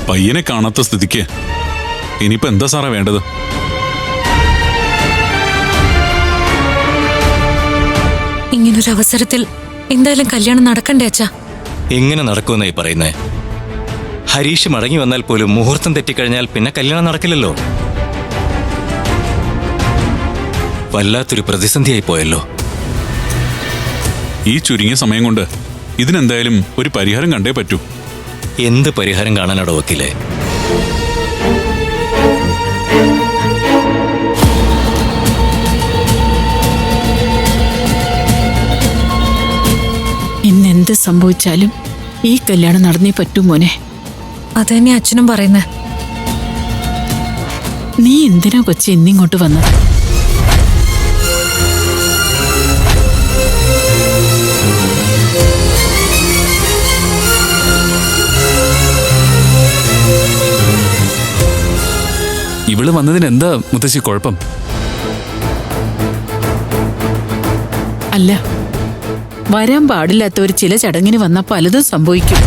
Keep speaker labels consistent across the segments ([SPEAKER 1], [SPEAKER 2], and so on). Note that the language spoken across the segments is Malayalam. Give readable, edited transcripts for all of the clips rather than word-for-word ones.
[SPEAKER 1] പയ്യനെ കാണാത്ത സ്ഥിതിക്ക് ഇനിയിപ്പോ എന്താ സാറേ വേണ്ടത്?
[SPEAKER 2] ഇങ്ങനൊരു അവസരത്തിൽ എന്തായാലും കല്യാണം നടക്കണ്ടേ അച്ഛാ?
[SPEAKER 3] എങ്ങനെ നടക്കുമെന്നായി പറയുന്നേ? ഹരീഷ് മടങ്ങി വന്നാൽ പോലും മുഹൂർത്തം തെറ്റിക്കഴിഞ്ഞാൽ പിന്നെ കല്യാണം നടക്കില്ലല്ലോ. വല്ലാത്തൊരു പ്രതിസന്ധിയായി പോയല്ലോ.
[SPEAKER 1] ഈ ചുരുങ്ങിയ സമയം കൊണ്ട് ഇതിനെന്തായാലും ഒരു പരിഹാരം കണ്ടേ പറ്റൂ.
[SPEAKER 3] എന്ത് പരിഹാരം കാണാനാടോ വക്കീലേ?
[SPEAKER 4] ഇന്നെന്ത് സംഭവിച്ചാലും ഈ കല്യാണം നടന്നേ പറ്റൂ മോനെ.
[SPEAKER 2] അത് തന്നെ അച്ഛനും പറയുന്നേ.
[SPEAKER 4] നീ എന്തിനാ കൊച്ചി ഇന്നിങ്ങോട്ട് വന്നത്?
[SPEAKER 5] ഇവള് വന്നതിന് എന്താ മുത്തശ്ശി കുഴപ്പം?
[SPEAKER 4] അല്ല, വരാൻ പാടില്ലാത്ത ഒരു ചില ചടങ്ങിന് വന്ന പലതും സംഭവിക്കും.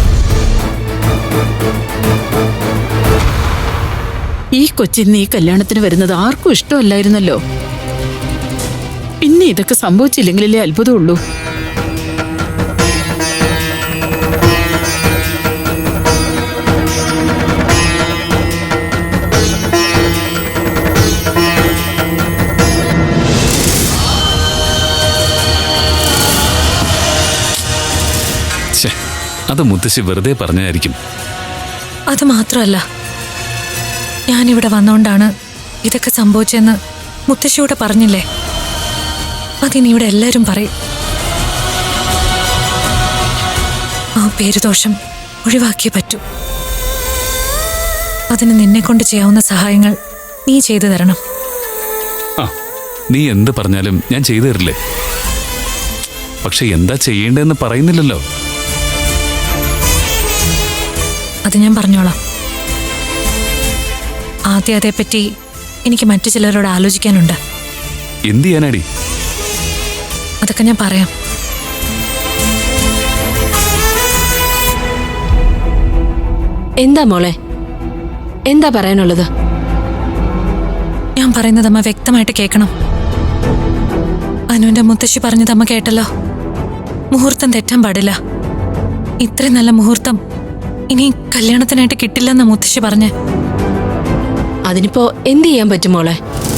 [SPEAKER 4] ഈ കൊച്ചിന്ന് ഈ കല്യാണത്തിന് വരുന്നത് ആർക്കും ഇഷ്ടമല്ലായിരുന്നല്ലോ. പിന്നെ ഇതൊക്കെ സംഭവിച്ചില്ലെങ്കിലല്ലേ അത്ഭുതമുള്ളൂ.
[SPEAKER 5] അത് മുത്തശ്ശി വെറുതെ പറഞ്ഞായിരിക്കും.
[SPEAKER 2] അത് മാത്രമല്ല, ഞാനിവിടെ വന്നോണ്ടാണ് ഇതൊക്കെ സംഭവിച്ചെന്ന് മുത്തശ്ശിയോടെ പറഞ്ഞില്ലേ? അതിനിവിടെ എല്ലാവരും പറയും. ആ പേരുദോഷം ഒഴിവാക്കിയേ പറ്റൂ. അതിന് നിന്നെ കൊണ്ട് ചെയ്യാവുന്ന സഹായങ്ങൾ നീ ചെയ്തു തരണം.
[SPEAKER 5] ആ, നീ എന്ത് പറഞ്ഞാലും ഞാൻ ചെയ്തു തരില്ലേ? പക്ഷെ എന്താ ചെയ്യേണ്ടതെന്ന് പറയുന്നില്ലല്ലോ.
[SPEAKER 2] അത് ഞാൻ പറഞ്ഞോളാം. ആദ്യം അതേപ്പറ്റി എനിക്ക് മറ്റു ചിലരോട് ആലോചിക്കാനുണ്ട്.
[SPEAKER 5] എന്ത് ചെയ്യാനാടി?
[SPEAKER 2] അതൊക്കെ ഞാൻ പറയാം.
[SPEAKER 6] എന്താ മോളെ, എന്താ പറയാനുള്ളത്?
[SPEAKER 2] ഞാൻ പറയുന്നത് അമ്മ വ്യക്തമായിട്ട് കേൾക്കണം. അനുവിന്റെ മുത്തശ്ശി പറഞ്ഞത് അമ്മ കേട്ടല്ലോ. മുഹൂർത്തം തെറ്റാൻ പാടില്ല. ഇത്രയും നല്ല മുഹൂർത്തം ഇനി കല്യാണത്തിനായിട്ട് കിട്ടില്ലെന്ന മുത്തശ്ശി പറഞ്ഞ്.
[SPEAKER 6] അതിനിപ്പോ എന്ത് ചെയ്യാൻ പറ്റും മോളെ?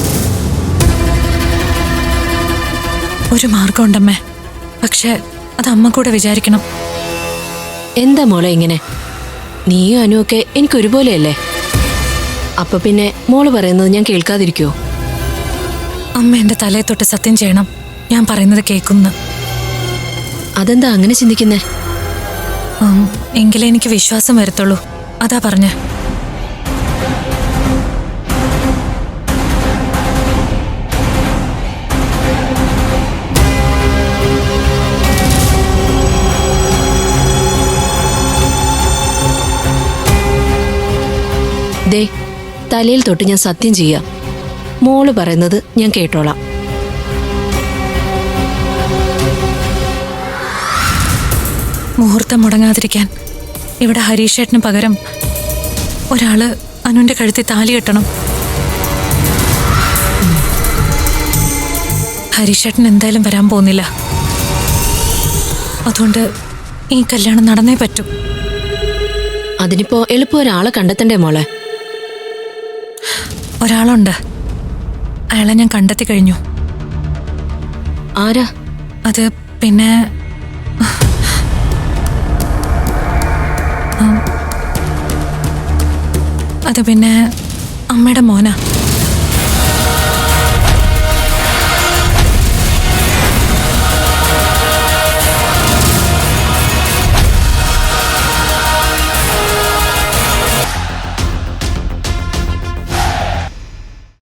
[SPEAKER 2] ഒരു മാർഗമുണ്ടമ്മേ, പക്ഷെ അത് അമ്മ കൂടെ വിചാരിക്കണം.
[SPEAKER 6] എന്താ മോളെ ഇങ്ങനെ? നീയും അനുവൊക്കെ എനിക്ക് ഒരുപോലെയല്ലേ? അപ്പൊ പിന്നെ മോള് പറയുന്നത് ഞാൻ കേൾക്കാതിരിക്കുവോ?
[SPEAKER 2] അമ്മ എന്റെ തലയെ തൊട്ട് സത്യം ചെയ്യണം ഞാൻ പറയുന്നത് കേൾക്കുന്നു.
[SPEAKER 6] അതെന്താ അങ്ങനെ ചിന്തിക്കുന്നേ?
[SPEAKER 2] എങ്കിലേ എനിക്ക് വിശ്വാസം വരത്തുള്ളൂ. അതാ പറഞ്ഞ.
[SPEAKER 6] ദേ, തലയിൽ തൊട്ട് ഞാൻ സത്യം ചെയ്യാം. മോള് പറയുന്നത് ഞാൻ കേട്ടോളാം.
[SPEAKER 2] മുഹൂർത്തം മുടങ്ങാതിരിക്കാൻ ഇവിടെ ഹരീഷേട്ടന് പകരം ഒരാള് അനുവിന്റെ കഴുത്തിൽ താലി കെട്ടണം. ഹരീഷേട്ടൻ എന്തായാലും വരാൻ പോകുന്നില്ല. അതുകൊണ്ട് ഈ കല്യാണം നടന്നേ പറ്റൂ.
[SPEAKER 6] അതിനിപ്പോ എളുപ്പം ഒരാളെ കണ്ടെത്തണ്ടേ മോളെ?
[SPEAKER 2] ഒരാളുണ്ട്. അയാളെ ഞാൻ കണ്ടെത്തി കഴിഞ്ഞു.
[SPEAKER 6] ആരാ
[SPEAKER 2] അത്? പിന്നെ അത് പിന്നെ അമ്മയുടെ മോനാ.